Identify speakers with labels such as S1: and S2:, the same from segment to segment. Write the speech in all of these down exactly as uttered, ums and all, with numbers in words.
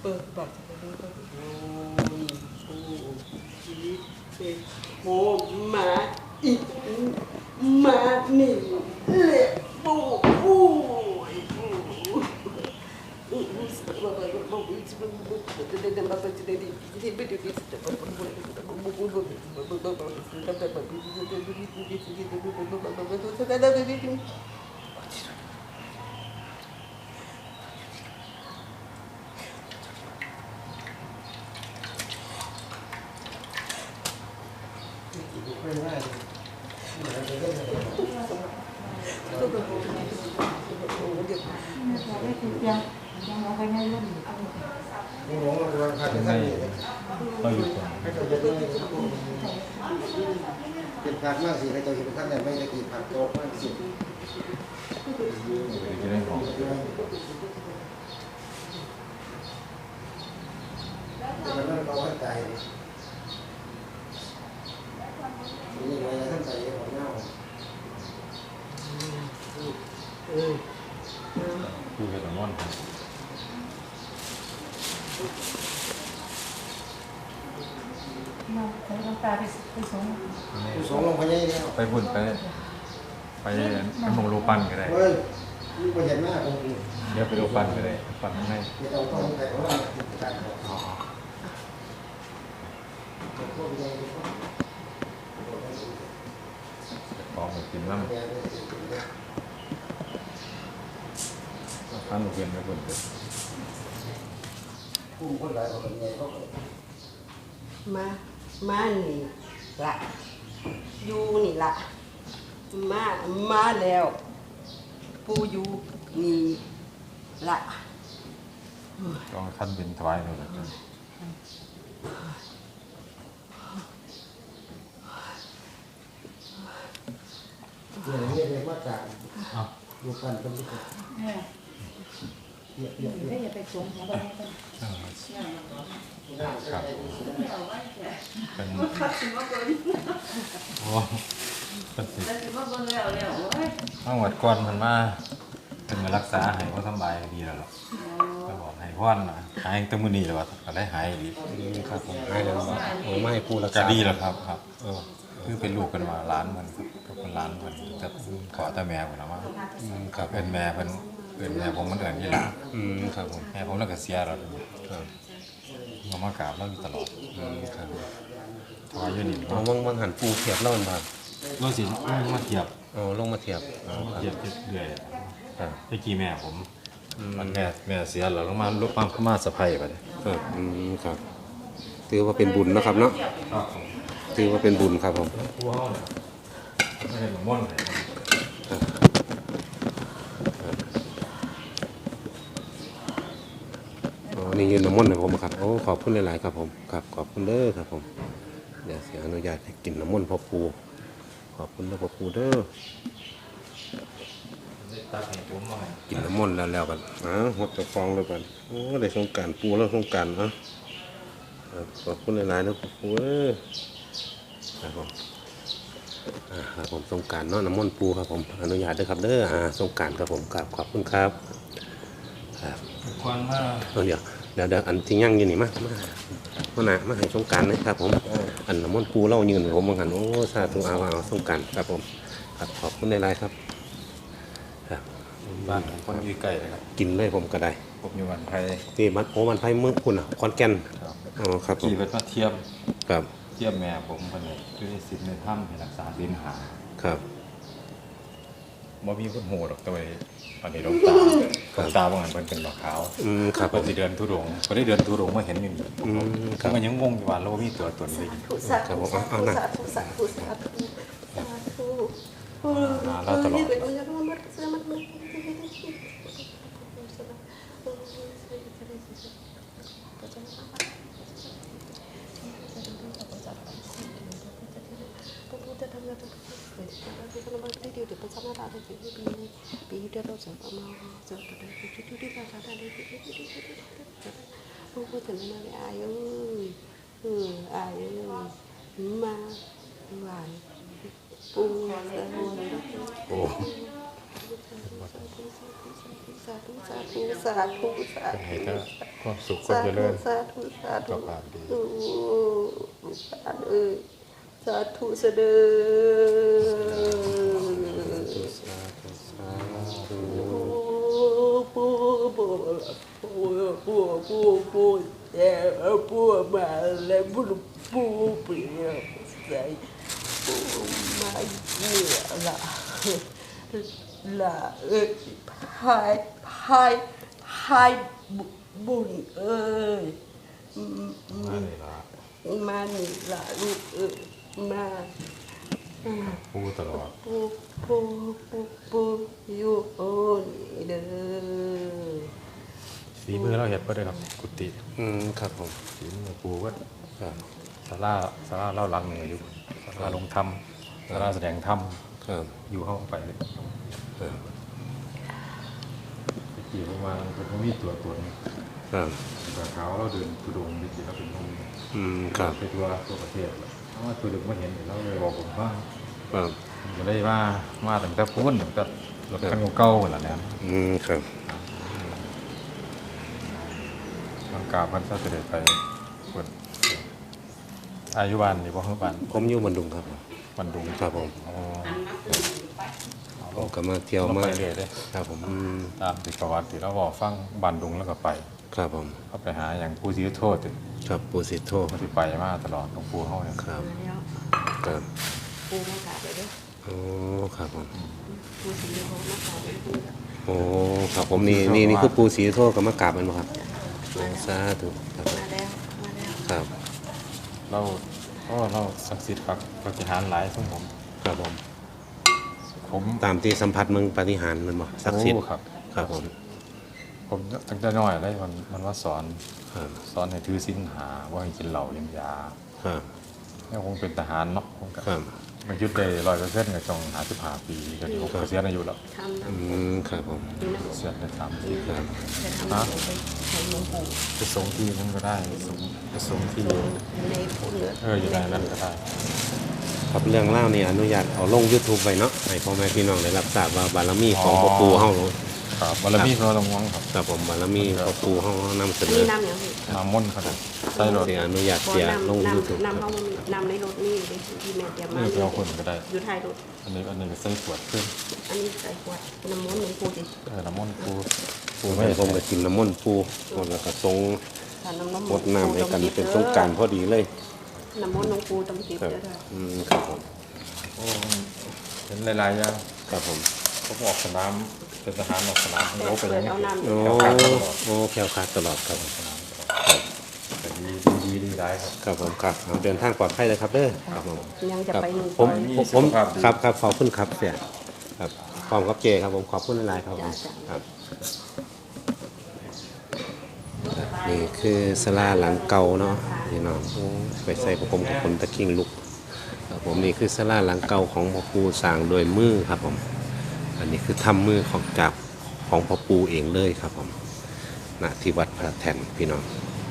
S1: บัตรโอ้ยโอ้ยเป็นโมมาอีกมาหนึ่งเละโอ้โอ้ยโอ้
S2: ไม่ได้ยังยังเราไปง่ายรุ่นหลวงเราพาไปท่านเราอยู่ก่อนให้เราจะได้เป็นผักมากสิให้เราจะเป็นท่านไหนไม่ได้กินผักโตมากสิ
S3: จะได้ของ
S2: แต่มันเราเข้าใจนี่ไงท่านใจของเงา
S3: คือเห็ดม่อน
S2: เราไปลงตาไปไปสงไปสงลงไปยังไงแล้ว
S3: ไปบุญไปไปไปมงรูปันก็ได้
S2: เฮ้ยนี่ประหยัดมากผม
S3: เดี๋ยวไปรูปันก็ได้ปันข้างใน
S2: เราต้องใส่ของเราการ
S3: อ๋อของไปกินน้ำท่านเวียนไปบุญเลย
S2: ผู้คนหลายคนใหญ่เขา
S1: มามานี่ละอยู่นี่ละมามาแล้วปูอยู่นี่ละ
S3: ต้องท่านเป็นถวายเลยนะ
S2: เดี๋ยวนี้เรียกว่าจากดูกันเป็นที่
S4: เดี๋ยวเดี๋ยวอย่าไปสวมหัวไปกัน
S3: ครับเป็นโอ้เป็นสิต้องวัดก้อนมันมาเป็นมารักษาให้เขาสบายดีแล้วหรอกก็บอกให้พ่อนหายตั้งมื้อนี้แล้วว่าก็ได้หายดี
S2: ครับผมหายแล้วโอ้ไม่ผู้รักษา
S3: ก็ดีแล้วครับครับเออคือเป็นลูกกันมาล้านมันก็เป็นล้านมันแต่ขอแต่แม่ผมนะว่าครับเป็นแม่เป็นเป็นแม่ผมมันเอิญยี่หล่า
S2: อืมครับผม
S3: แม่ผมแล้วก็เสียแล้วครับมามากราบแล้วอยู่ตลอด
S2: อืมครับ
S3: ถวายยืนหนิ
S2: อ๋อวังวังหันปูเทียบเล่ามันบ้าง
S3: ลงสิลงมาเทียบ
S2: อ๋อลงมาเทียบ
S3: เทียบเรื่อยเมื่อกี้แม่ผมมันแม่แม่เสียแล้วลงมาลุกปั๊มเข้ามาสะพายไปเลย
S2: ครับอืมครับถือว่าเป็นบุญนะครับเนาะถือว่าเป็นบุญครับผม
S3: ไม่ได้หลงม่อน
S2: อ๋อนี่ยืนน้ำมันให้ผมครับโอ้ขอบคุณหลายๆครับผมครับขอบคุณเด้อครับผมเดี๋ยวเสียอนุญาตให้กินน้ำมันพ่อปูขอบคุณนะพ่อปูเด้อกินน้ำมันแล้วแล้วกันอ่ะหดจะฟองเลยกันโอ้ได้สงการปูแล้วสงการอ่ะขอบคุณหลายๆนะพ่อปูเอ้ยครับผมครับผมสงการเนาะน้ำมันปูครับผมอนุญาตด้วยครับเด้ออ่าสงการครับผมครับขอบคุณครับครับ
S3: ควันมา
S2: เดี๋ยวเดี๋ยวเดี๋ยวอันที่ยั่งยืนนี่มามามาหนามาให้สงการนะครับผมอันน้ำมันปูเล่ายืนผมเหมือนกันโอ้สาธุเอาเอาสงการครับผมครับขอบคุณในไลน์ครับครับ
S3: บ้านคนอยู่ใกล้เลยครับ
S2: กินเลยผมก็ได้
S3: ผมอยู่วันไทย
S2: ที่มันโอ้มันไผ่เมืองคุณอ่ะคอนแก่นอ๋อครับ
S3: ขี่รถมาเทียบ
S2: ครับ
S3: เทียบแม่ผมคนนี้คือสิทธิ์ในถ้ำให้รักษาดินหา
S2: ครับ
S3: บ่มีคนโหดหรอกตัวนี้อันนี้ดวงตาดวงตาบางอันเป็นเป็นดอกขาว
S2: อืมครับ
S3: ผมสิเดินทุดงก็ได้เดินทุดงมาเห็นอยู่นี่
S2: อืมครั
S3: บมันยังงงอยู่ว่าเรามีตัวตนเลย
S1: ครับผมเอาหนักสาธุสาธุสาธุสาธุ
S3: เราตลอด
S1: ปีเดียวเราจะเอามาจะตัวใดที่ที่ที่เราทำได้ที่ที่ที่ที่ผู้พูดถึงมาเลยอายุเอออายุมาหวานปูสาธุ
S3: โอ้
S1: สาธุสาธุสาธุสาธุสาธุ
S3: ความสุขความ
S1: สา
S3: เจ
S1: ธุ
S3: ริญ
S1: สาธุสาธุ
S3: สุขภาพดี
S1: โอ้ลูกหลานเอ้ยสาธุเสด็จ
S2: สาธุสาธุ
S1: ปูปูปูปูปูปูแต่ปูมาแล้วปูปูเปลี่ยนใส่ปูมาเนี่ยละละเอ้ยพายพายพายบุญเอ้ย
S3: มาเลยล่ะ
S1: มานี่ละลูกเอ้ยมา
S3: ปูตลอด
S1: ปูปูปูปูอยู่โอ้นี่เด้อ
S3: ฝีมือเราเห็ดบ่ได้ครับกุฏิ
S2: อืมครับผม
S3: ฝีมือปูก็
S2: ครับ
S3: ศาลาศาลาเล่าหลังเหนืออยู่ศาลาลงธรรมศาลาแสดงธรรม
S2: ครับ
S3: อยู่เข้าไปเลย
S2: ครับ
S3: ไปกี่ประมาณเป็นพมีตัวตน
S2: ครับ
S3: แต่เขาเราเดินทุดงไปกี่เราเป็นพมี
S2: อืมครับ
S3: ไปทั่วทั่วประเทศแล้วเพราะว่าตัวเด็กมาเห็นเราเลยบอกผมว่า
S2: ครับ
S3: ผมก็ได้ว่ามาตั้งแต่พูนตั้งแต่รถคันเก่าๆหมดแล้วเนี่ย
S2: อืมครับ
S3: บางกาพันธุ์เสด็จไปเปิดอายุวันนี่บ่คือวัน
S2: ผมอยู่บันดุงครับ
S3: วันดุง
S2: ครับผม
S3: อ๋อ
S2: ผมก็มาเที่ยว
S3: เรา
S2: มา
S3: ไปเรื่อยเลย
S2: ครับผมอืม
S3: ตามติดประวัติที่เราบอกฟังบันดุงแล้วก็ไป
S2: ครับผม
S3: เขาไปหาอย่างผู้ที่โทษติ
S2: ครับปูสิโท
S3: เขาที่ไปมาตลอดหลวงปู่เขาเนี่ย
S2: ครับ
S1: มาแล้ว
S2: ครับ
S1: ปูมากราบเลยเด้อ
S2: โอ้ครับผม
S1: ปูสีโหมากราบเลยปู
S2: โอ้ครับผมนี่นี่นี่คือปูสีโทกับมะกราบแมันบ่ครับโอ้สาธุครับ
S1: มาแล้วมาแล้ว
S2: ครับ
S3: เราก็เราศักดิ์สิทธิ์ปักปฏิหารย์หลายซึ่งผม
S2: ครับผม
S3: ผม
S2: ตามที่สัมผัสมึงปฏิหารย์มันบ่ศักดิ์สิทธิ์
S3: โอ้ครับ
S2: ครับผม
S3: ผมตั้งแต่น้อยเลยมันมันว่าสอน
S2: ครับ
S3: สอนให้ถือศีลหาว่าให้กินเหล้าเลี้ยงยา
S2: ครับ
S3: เนี่ยคงเป็นทหารเนาะคงกับ
S2: ครับ
S3: มันยุดได้ร้อยเปอร์เซ็นต์กับจงหาสิบห้าปีก็ดีผมเกษียณอายุแล้ว
S1: ทำ
S2: อื
S1: น้ำ
S2: มครับผม
S1: นี่นะ
S3: เกษียณได้สามปี
S2: ครับ
S1: จะทำน้ำไปใส่หลวงปู่
S3: ไปส่งที่นั่นก็ได้ไปส่งไปส่งที่
S1: ในปูเนื้อ
S3: เอออยู่ในนั้นก็ได้
S2: ครับเรื่องเล่านี่อนุญาตเอาลง YouTube ไว้เนาะให้พ่อแม่พี่น้องได้รับทราบว่าบารมีของพ่อปู่เฮา
S3: ครับบารมีพระลงวังครับ
S2: ครับผมบารมีพ่อปู่เฮานำเส
S1: อัน
S2: น
S1: นี้
S2: อ
S1: น้ำอย่างนี้
S3: น้ำมนต์ครับใส่รถ
S2: สิอนุญาต
S1: พอ
S2: เสียลง
S1: น้ำ
S2: YouTube
S1: น้ำน้ำเขาน้ำในรถนี่เลยที่แม่เตรียมมา
S3: นี่ไปเอาคนก็ได้
S1: อยู่ท้ายรถ
S3: อันนี้อันนี้ก็ใส่ขวดขึ้น
S1: อันนี้ใส่ขวดน้ำมันหลวงปู่สิ
S3: เออน้ำมนต์ปูปู
S2: ผม
S3: ไม่
S2: ให้
S3: ได้
S2: ผมก็กินน้ำมนต์ปู่แล้วก็ทรง
S1: ทานน้ำน้ำ
S2: รดน้ำให้กันเป็นสงกรารพอดีเลย
S1: น้ำมันหลวงปู่ต้องจิบ
S2: ครับ
S1: เด้อค่ะ
S2: อืมครับผม
S3: โอ้เห็นหลายๆอย่าง
S2: ครับผม
S3: ผมออกสนามเป็นทหารออกสนามผมโอ้ไปอย่างนี้
S1: เอาน้ำ
S2: โอ้
S3: แถวขาดตลอด
S2: โอ้แคล้วคลาดตลอดครับ
S3: แต่ดีดีดีดีได้ครับ
S2: ครับผมครับเอาเดินทางปลอดภัยเลยครับเด้อครับผม
S1: ยังจะไปหนึ่ง
S2: ผม
S3: ไปมี
S2: ผม
S3: สุ
S2: ผม
S3: ขภาพดี
S2: ครับครับขอบคุณครับเสียครับพร้อมกับเจครับผมขอบคุณหลายๆครับผมครับนี่คือสลาหลังเก่าเนาะพี่น้องโอ้ไปใส่ประกมกับคนตะคิงลุกครับผมนี่คือสลาหลังเก่าของพ่อปู่สร้างโดวยมือครับผมอันนี้คือทำมือของจากของพ่อปู่เองเลยครับผมณที่วัดพระแท่นพี่น้อง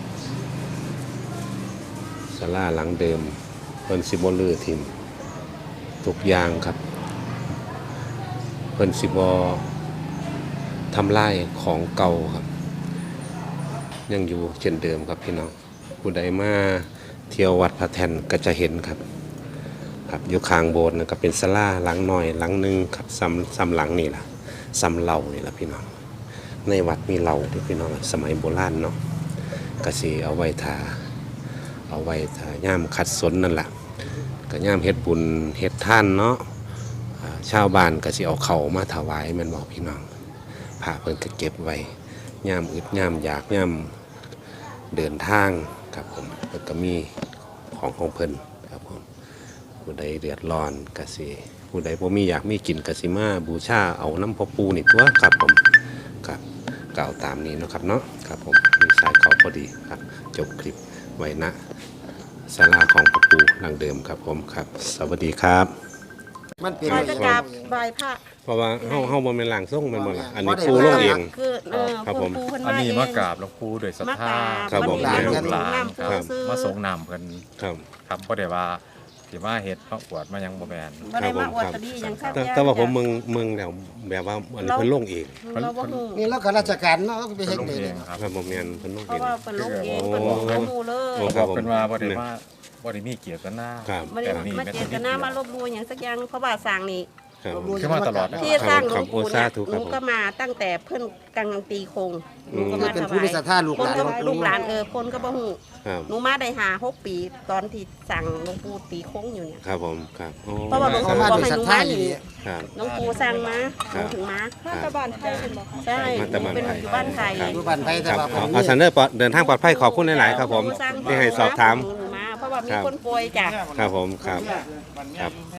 S2: สลาหลังเดิมเพิ่นสิบ่ลือทิมทุกอย่างครับเพิ่นสิบ่ทำลายของเก่าครับยังอยู่เช่นเดิมครับพี่น้องผู้ใดมาเที่ยววัดพระแท่นก็จะเห็นครับครับอยู่ข้างโบสถ์นะก็เป็นศาลาหลังหน่อยหลังหนึงครับซ้ำซ้ำหลังนี่ล่ะซ้ำเหล่านี่ล่ะพี่น้องในวัดมีเหล่าที่พี่น้องสมัยโบราณเนาะก็สิเอาไว้ทาเอาไว้ทาย่ามคัดสนนั่นล่ะก็ย่ามเฮ็ดบุญเฮ็ดท่านเนาะอ่าชาวบ้านก็สิเอาเข้าวมาถวายแม่นบ่พี่น้องพระเพิ่นก็เก็บไว้ย่ามอึดย่ามอยากย่ามเดินทางครับผมเพิ่นก็มีของของเพิ่นครับผมผู้ใดเดือดร้อนก็สิผู้ใดบ่มีอยากมีกินก็สิมาบูชาเอาน้ำพ่อปู่นี่ตัวครับผมครับกล่าวตามนี้เนาะครับเนาะครับผมมีสายเขาพอดีครับจบคลิปไว้นะศาลาของพ่อปู่หลังเดิมครับผมครับ สวัสดีครับ
S5: มันเป็น
S1: ใครจะกราบไหว้พระ
S2: เพราะว่าเฮาเฮาบ่แม่นหลังส่งแม่นบ่ล่ะอันนี้ปู่ลงเอง
S1: คือเออ
S2: ครับผม
S1: ปูเพิ่น
S3: อัน
S1: มา
S3: นี้
S1: เอง
S3: มากราบหลวงปู่ด้วยศรัทธา
S2: ครับผม
S3: แม่ลูกหลาน
S1: น้ำ
S3: ครับ
S1: ซื้อ
S3: มาส่งน้ำเพิ่น
S2: ครับ
S3: ครับเพราะได้ว่าสิมาเฮ็ดเพราะอวดมายังบ่แม่น
S1: บ่ได้มาอวดตะดีหยังครับ
S2: แต่แต่ว่าผมเมืองเมืองแล้วแบบว่าอันนี้เพิ่นลงเอง
S1: เราบ่ฮู้
S5: นี่แล้วก็ราชการเนาะไป
S3: เพิ่
S5: เฮ็
S3: น
S5: ด
S3: ลง
S5: เอง
S3: เองครับ
S2: ครับผมเรียนเพิ่นลง
S1: เพ
S2: เอ
S1: ราะ
S2: ง
S1: ว่าเพิ่นลงเองเพิ่นบ่บ่ฮู้เลย
S2: โอ้
S3: ครับเพิ่นว่าบ่ได้มาบ่ได้มีเกียรตินา
S2: ครับ
S1: บ่ได้มาเจตนามาลบหลู่หยังสักอย่างเพราะว่าสร้างนี่
S2: ครับ
S3: คือมาตลอดนะ
S1: ที่สร้างหล
S2: ครั
S1: ว
S2: บ
S1: งปู่
S2: โอ้สา
S1: เนี่ย
S2: ธุ
S1: ห
S2: ครั
S1: นู
S2: บผม
S1: ก็มาตั้งแต่เพิ่นกำลังตีโคงหนูก็มา
S5: เป็น
S1: ถ
S5: ผู้
S1: วา
S5: มี
S1: ย
S5: ศรัทธาลูก
S1: คน
S5: หลาน
S1: ก็ลูกหลานเออคนก็บ่ฮู้
S2: ครับ
S1: หนูมาได้หาหกปีตอนที่สั่งหลวงปู่ตีโค้งอยู่เนี่ย
S2: ครับผมครับโอ้
S1: เพราะว่าหลวง
S5: เขา
S1: ปู่
S5: มา
S1: บอก
S5: ด้วย
S1: ให้
S5: ศรั
S1: ห
S5: ท
S1: นู
S5: ธา
S1: มา
S5: อ
S1: อยู่ ยู่
S2: ครับ
S1: หลวงปู่สั่งมาหนูถึงมา
S2: ครับ
S4: บ้านไทยเป็นบ่คะ
S1: ใช่
S2: มาแต่บ้าน
S1: เป็น
S2: ไทย
S1: อยู่บ้านไทย
S2: ครับ
S5: อยู่บ้านไผแต่
S2: ครับ
S5: ว่า
S2: เอาเอาซันเดอร์ปลอดเดินทางปลอดภัยขอบคุณหลาย ๆ ครับผม
S1: หลวงปู่สั่ง
S2: ที่ให้สอบถาม
S1: หนูมาเพราะว่ามี
S2: ครับ
S1: คนป่วยจ้ะ
S2: ครับผมครับครับ